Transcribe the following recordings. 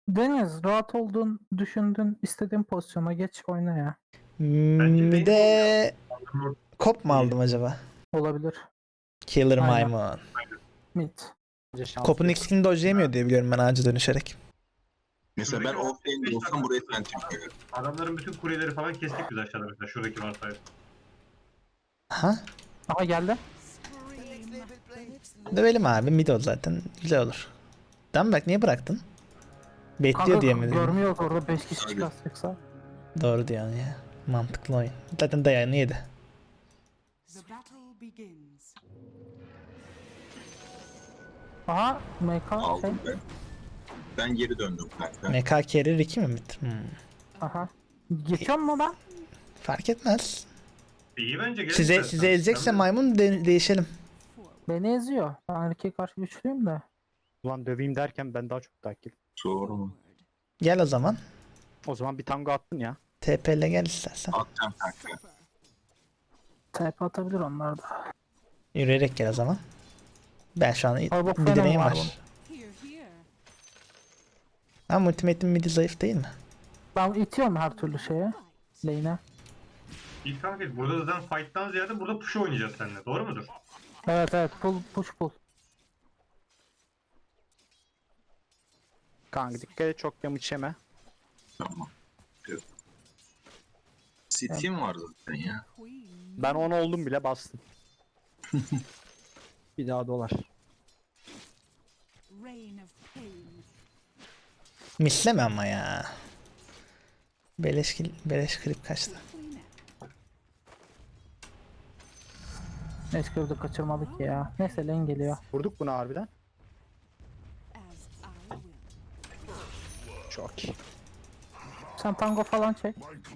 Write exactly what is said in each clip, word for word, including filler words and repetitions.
Deniz rahat oldun, düşündün, istediğin pozisyona geç oyna ya. Hmm, bir de kop mu aldım acaba? Olabilir. Killer Aynen. maymun. Mid. Bence şans Kopun yok. ikisini dojlayamıyor diye biliyorum ben ağaca dönüşerek. Mesela ben offlane olsam buraya Phantom koyarım. Adamların bütün kuleleri falan kestik biz aşağıda mesela. Şuradaki varsaydı. Aha. Aha geldi. Dövelim abi. Mid o zaten. Güzel olur. Tamam bak niye bıraktın? Bekliyor Kanka diye mi dedin? görmüyoruz orada beş kişi Abi. çıkartacaksa. Doğru diyorsun ya. Mantıklı oyun. Zaten dayağını yedi. The battle begins. Aha M K şey. Aldım ben. Ben geri döndüm kanka. M K carry iki mi mid? Hmm. Aha. Geçiyor mu ben? Fark etmez. İyi bence. gelin Size istersen. size ezecekse maymun de- değişelim. Beni eziyor. Ben erkeğe karşı güçlüyüm de. Ulan döveyim derken ben daha çok takip. Doğru mu? Gel o zaman. O zaman bir tango attın ya. T P ile gel istersen. Atacağım kanka. T P atabilir onlar da. Yürüyerek gel o zaman. Ben şu an Abi bak, bir fena direğim var var. Here, here. Ama ultimate'in midi zayıf değil mi? Ben itiyorum her türlü şeye. Lane'e. İlk kanka burada zaten fight'tan ziyade burada push oynayacağız seninle. Doğru mudur? Evet evet pull push pull. Kanka dikkat et çok damage yeme. Tamam. Evet. City'm var zaten ya. Queen. Ben on oldum bile bastım. Bir daha dolar. Reign of pain. Misleme ama ya. Beleş, kil- beleş klip kaçtı. Clean it. Neyse de kaçırmadık ya. Neyse lane geliyor. Vurduk bunu harbiden. As I will. Çok iyi. Sen tango falan çek.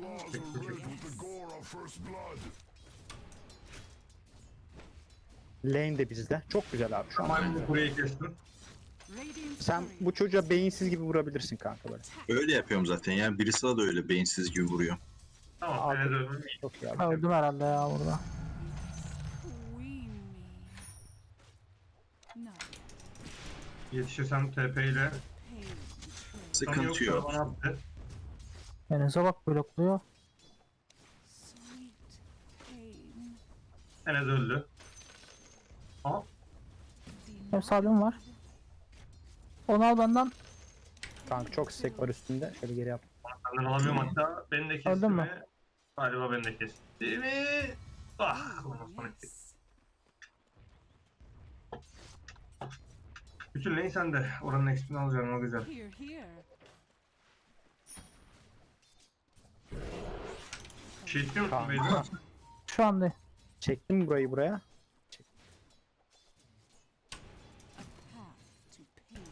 Lane de bizde. Çok güzel abi şu an. Maymun kuleyi kestim. Radiant Sen courier. bu çocuğa beyinsiz gibi vurabilirsin kanka böyle. Öyle yapıyorum zaten ya. Birisi da öyle beyinsiz gibi vuruyor. Tamam. Abi. Enes öldüm. İyi. Çok iyi abi. Öldüm herhalde ya burada. Queen me. No. Yetişirsem T P ile. Pain. Sıkıntı yok. Bana attı. Enes'e bak blokluyor. Sweet pain. Enes öldü. Aha. Hem salim var. Onu al benden. Kanka çok stack var üstünde. Şöyle geri yap. Senden alamıyorum hatta. Beni de kesti Öldün mü? mi? Galiba beni de kesti mi? Ah. Ondan sonra kesti. Yes. Bütün lane sende. Oranın X P'ini alacağım o güzel. Here, here. Bir şey istiyor musun Tamam. Beyza? Şu anda. Çektim burayı buraya. A path to pain.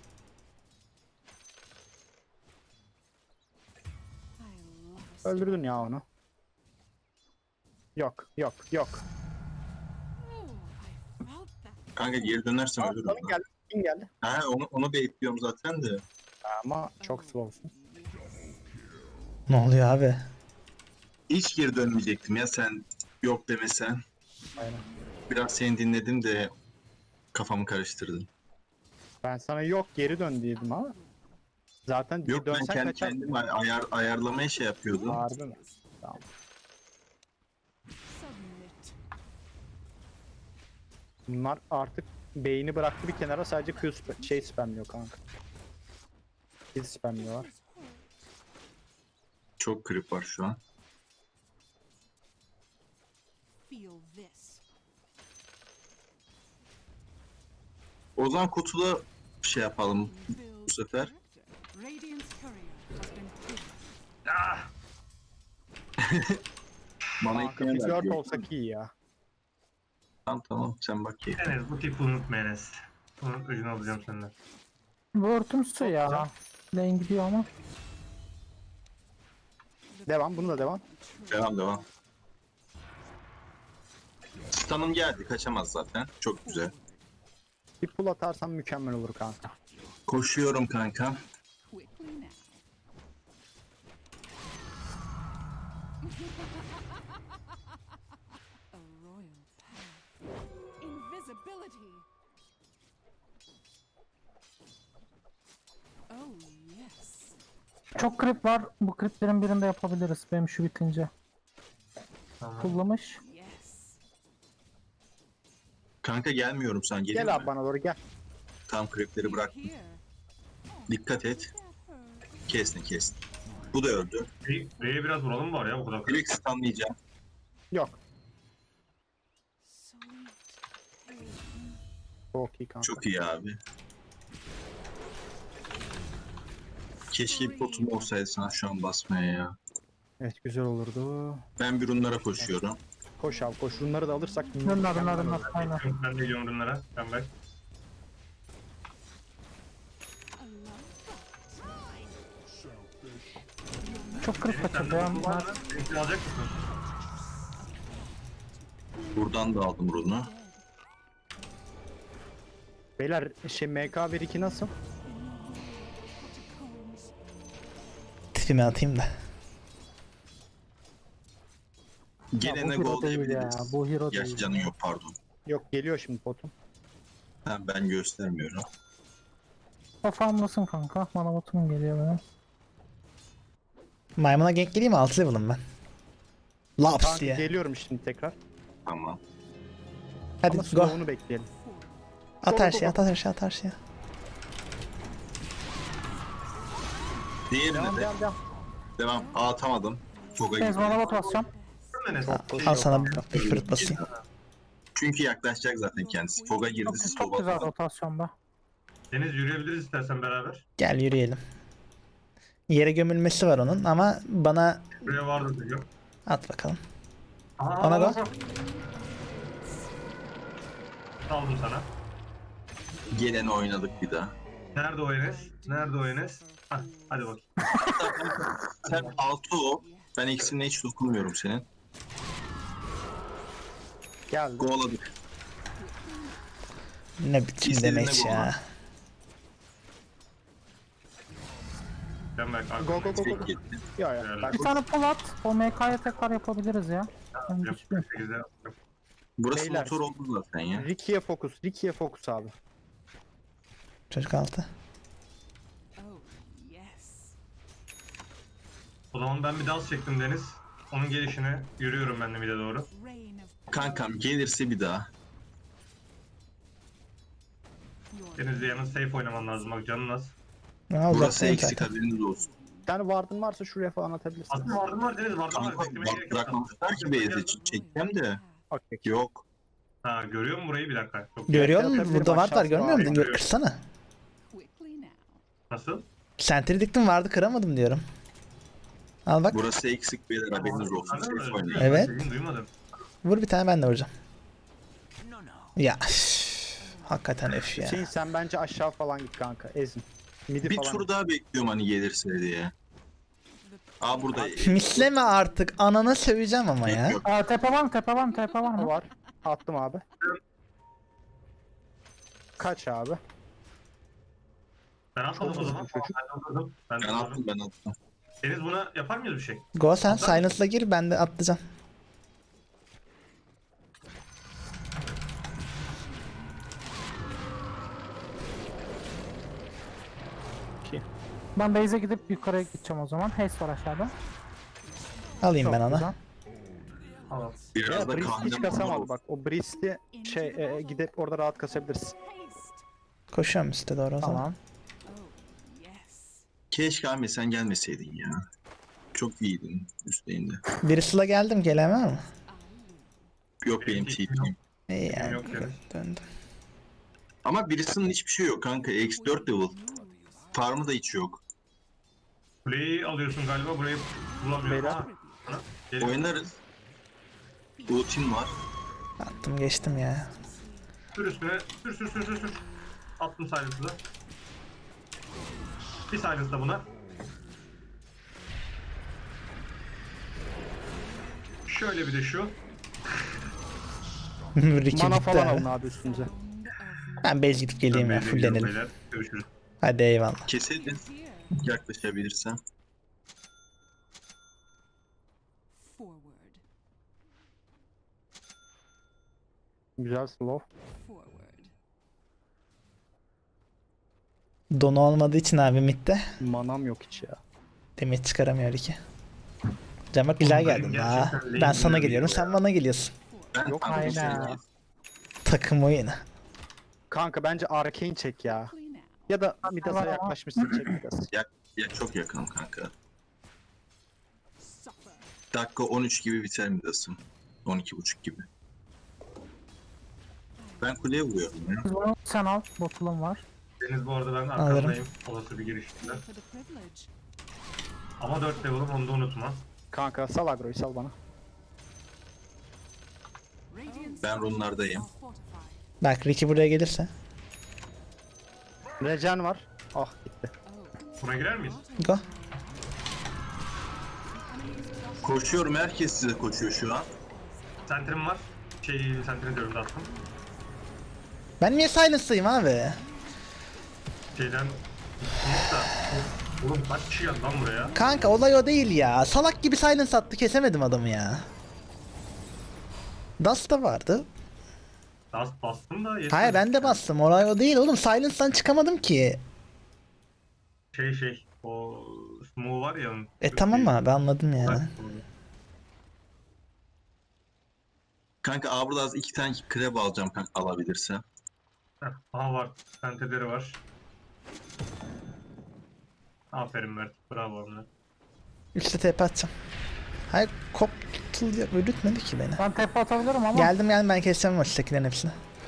I lost. Öldürdün ya onu. Yok yok yok. Oh, I felt that. Kanka geri dönersem ölürüm. Kim geldi? Kim geldi? Ha onu, onu bekliyorum zaten de. Ama çok slowsun. Ne oluyor abi? Hiç geri dönmeyecektim ya sen yok demesen. Aynen. Biraz seni dinledim de kafamı karıştırdın. Ben sana yok geri dön dedim ama. Zaten Yok ben dönsen kendi kaçar. kendime ayar, ayarlamaya şey yapıyordum. Harbi mi? Tamam. Submit. Bunlar artık beyni bıraktı bir kenara sadece Q sp- şey spamlıyor kanka. Kill spamliyorlar. Çok krip var şu an. Feel this. O zaman kutula şey yapalım Build bu sefer. character. Radiant's courier has been killed. Ah! Bana Kanka ikna biz ver dört diyor. olsak iyi ya. Tamam tamam sen bak ki. Enes bu tipi unutma Enes. Bunun öcünü alacağım senden. Bu örtümsü Çok ya. güzel. Lane gidiyor ama. Devam bunu da devam. Devam devam. Stun'ım geldi kaçamaz zaten. Çok güzel. Bir pull atarsan mükemmel olur kanka. Koşuyorum kanka. Quickly now. A royal path. Invisibility. Oh yes. Çok krip var. Bu kriplerin birinde yapabiliriz. Benim şu bitince. Tamam. Kullamış. Yes. Kanka gelmiyorum sen geliyor Gel abi mu? bana doğru gel. Tam kripleri bırak. Here. Dikkat et. That hurt. Kestin kestin. Bu da öldü. R'ye R'ye biraz vuralım var ya bu kadar. Direkt stunlayacağım. Yok. Sweet pain. Çok iyi kanka. Çok iyi abi. Keşke bir potum olsaydı sana şu an basmaya ya. Evet güzel olurdu. Ben bir runlara koşuyorum. Koş abi koş. Bunları da alırsak. Rınlar rınlar rınlar. Aynen. Ben de geliyorum ürünlere. Ben bak. A love. Çok krip Sen kaçırdı de ya. bu var mı? Benimkini alacak mısın? Buradan da aldım runu. Beyler şey M K bir iki nasıl? Tipimi atayım da. Ya Gelene bu gol hero değil ya. diyebiliriz. Bu hero Gerçi değil. canın yok pardon. Yok geliyor şimdi potum. Ha, ben göstermiyorum. O farmlasın kanka. Mana botum geliyor benim. Maymuna gank geleyim mi? altı level'ım ben. Laps Kanka diye. geliyorum şimdi tekrar. Tamam. Hadi Ama go. slow'unu bekleyelim. At her go, şeyi, go. at her şeyi, at her şeyi. Diğerine Devam de devam devam. devam. Aa, atamadım. Çok Bez ayıp. mana bot basacağım. Enes. Çok Al sana bir bir fruit basayım. Çünkü yaklaşacak zaten kendisi. Foga girdi, Çok, siz çok soba güzel atın. rotasyonda. Deniz yürüyebiliriz istersen beraber. Gel yürüyelim. Yere gömülmesi var onun ama bana Buraya vardı diyor. at bakalım. Aa, Ona bak. go. Aldım sana. Geleni oynadık bir daha. Nerede o Enes? Nerede o Enes? Hah, hadi bak. Sen altı o. Ben eksimine hiç dokunmuyorum senin. Geldi. Kovaladık. Ne biçim İstediğine demeç go ya. lan. Ben bak. Go go go go. Tek gitti. Ya ya. Helal. Ben Bir tane pull at. O M K'ya tekrar yapabiliriz ya. Ben Yapacak güçlüyüm. bir şekilde yapacağım. Burası Beyler. motor oldu zaten ya. Ricky'ye fokus. Ricky'ye fokus abi. Çocuk altı. Oh, yes. O zaman ben bir dans çektim Deniz. Onun gelişine yürüyorum ben de mide doğru. Rain of Kankam gelirse bir daha. your Deniz'le yanın safe oynaman lazım bak canın az. Ha, Burası uzaktayım eksik zaten. haberiniz olsun. Bir tane vardın varsa şuraya falan atabilirsin. Aslında vardım var Deniz vardım var. Kanka Beklemeye bak gerek yok. bırakmamışlar ki base'e çekeceğim de. Okey. Yok. Ha görüyor musun burayı bir dakika. Çok Görüyor musun? Atabilirim, Burada var var aşağısı görmüyor var. musun? Gör, kırsana. quickly now. Nasıl? Sentry diktim vardı kıramadım diyorum. Al bak. Burası eksik beyler haberiniz olsun. Anladın mı? Safe oynayın. Evet. Dediğini duymadım. Vur bir tane ben de vuracağım. Ya üf, hakikaten öf ya. Hüseyin sen bence aşağı falan git kanka. Ezin. Midi Bir falan. tur daha bekliyorum hani gelirse diye. Aa burada. Misleme artık anana söveceğim ama ya. Yok. Aa, tepe var mı? Tepe var mı? Tepe var mı? var. Attım abi. Kaç abi? Ben atmadım o hızlı zaman. çocuk. Ben atladım. Ben Ben atladım. attım ben attım. Deniz buna yapar mıyız bir şey? Go sen silence'la gir ben de atlayacağım. Ben base'e gidip yukarıya gideceğim o zaman. Haste var aşağıda. Alayım Çok ben onu. güzel. Tamam. Biraz Ya da Brist hiç kahvem kasamadı bak. O Brist'i şey e, e, gidip orada rahat kasabiliriz. Haste. Koşuyorum üstte doğru o zaman. Tamam. Oh, yes. Keşke Ahmet sen gelmeseydin ya. Çok iyiydin üstlerinde. Birisiyle geldim gelen var mı? Yok benim T P'm. İyi yani Yok yani. döndüm. Ama birisinin hiçbir şey yok kanka. X dört level. Farmı da hiç yok. Kuleyi alıyorsun galiba burayı bulamıyorum. Beyler. Ha, ha, geliyor. Oynarız. Ultim var. Attım geçtim ya. Sür üstüne. Sür sür sür sür sür. Attım silence'ı da. Bir silence da buna. Şöyle bir de şu. Ricky Mana bitti falan abi. alın abi üstünüze. Ben base gidip geleyim ya Ben de gidiyorum fullenelim. beyler. Görüşürüz. Hadi eyvallah. Keselim. Here. Yaklaşabilirsem. Forward. Güzel slow. Forward. Donu olmadığı için abi midde. Manam yok hiç ya. Demet çıkaramıyor iki. Can bak güzel Oğlum, geldin benim ha. gerçekten Ben lane sana bilmiyorum geliyorum ya. sen bana geliyorsun. Ben Yok, kanka bir şey aynen. değil. Takım oyunu. Kanka bence Arcane çek ya. Quickly now. Ya da Midas'a yaklaşmışsın çek Midas. Ya çok yakınım kanka. Suffer. Dakika on üç gibi biter Midas'ım. on iki buçuk gibi. Ben kuleye vuruyorum ya. Biz bunu sen al. Botulum var. Deniz bu arada ben arkandayım. Olası bir girişinde. For the privilege. Ama dört level'ım onu da unutma. Kanka sal agroyu sal bana. Radiant Ben runlardayım. are fortified. Bak Ricky buraya gelirse. Regen var. Ah gitti. Oh. Buna girer miyiz? Go. Koşuyorum, herkes size koşuyor şu an. Sentrim var. Şey, sentrini diyorum da attım. Ben niye silence'layım abi? Şeyden... Neyse. Oğlum kaç kişi geldi lan buraya? Kanka olay o değil ya. Salak gibi silence attı kesemedim adamı ya. Dust da vardı. Dust bastım da yetmedi. Hayır ben de bastım. Olay o değil oğlum. Silence'dan çıkamadım ki. Şey şey, o smoke var ya. onun- E tamam abi anladım Bak, ya. Kanka Aa, burada az iki tane krep alacağım kanka alabilirsem. Heh, aha var. Senteleri var. Aferin Mert. Bravo onlara. Üçte T P atacağım. Hayır koptul öldürtmedi ki beni. Ben tepe atabilirim ama. Geldim geldim ben keseceğim maçtakilerin hepsini.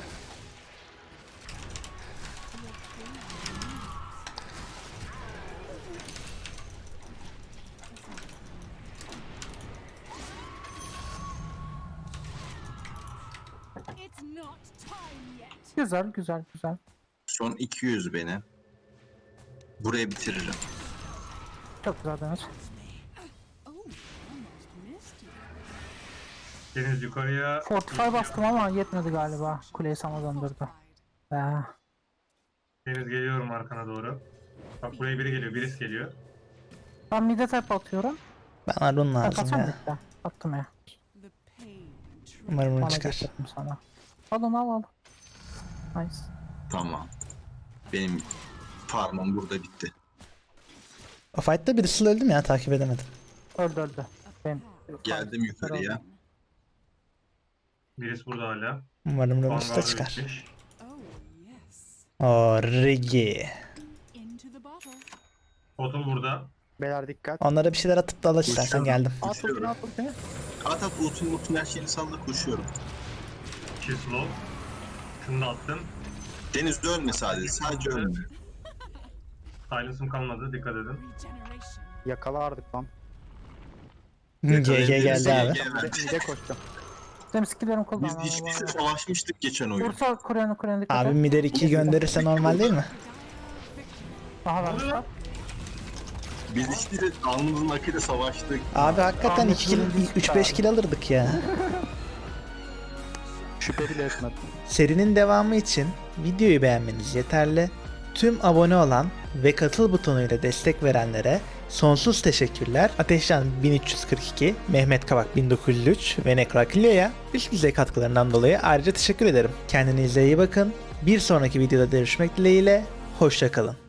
It's not time yet. Güzel güzel güzel. Son iki yüz benim. Buraya bitiririm. Çok güzel Deniz. Oh, almost missed you. Deniz yukarıya... Fortify bastım ama yetmedi galiba. Kuleyi sana döndürdü. Ee, Deniz geliyorum arkana doğru. Bak buraya biri geliyor, birisi geliyor. ben mid'e tepe atıyorum. Bana run Ben lazım kaçam ya. bitti. Attım ya. The pain. Umarım run Bana çıkar. getirdim sana. Al onu al al. Nice. Tamam. Benim farmım burada bitti. O fight'ta birisi öldüm ya takip edemedim. Öldü öldü. Ben Geldim yukarıya. Birisi burada hala. Umarım run usta Vanguard'a çıkar. gitmiş. Oh, yes. O Rigi. Into the bottle. Bottle burada. Beyler dikkat. Onlara bir şeyler atıp da al istersen Uçuyorum. geldim. At ultini at ultini. At at ultun ultun her şeyini salla koşuyorum. İki slow. Şunu da attım. Deniz ölme sadece. Sadece ölme. Silence'ım kalmadı, dikkat edin. Regeneration. Yakalardık lan. G G geldi abi. G G Mide, verdi. mide koştum. Benim skillerim cooldown. Biz hiçbir şey savaşmıştık geçen oyun. Bursa Kur'an'ı Kur'an'ı dikkat Abi et. Mider ikiyi gönderirse normal değil mi? Aha vermişler. Biz hiçbir alnımızın akıyla savaştık. Abi hakikaten iki kill, üç beş kill alırdık ya. Şüphe bile etmedim. Serinin devamı için videoyu beğenmeniz yeterli. Tüm abone olan ve katıl butonuyla destek verenlere sonsuz teşekkürler. Ateşcan bin üç yüz kırk iki, Mehmet Kavak bin dokuz yüz üç ve Nekrakilyo'ya üst düzey katkılarından dolayı ayrıca teşekkür ederim. Kendinize iyi bakın. Bir sonraki videoda görüşmek dileğiyle. Hoşça kalın.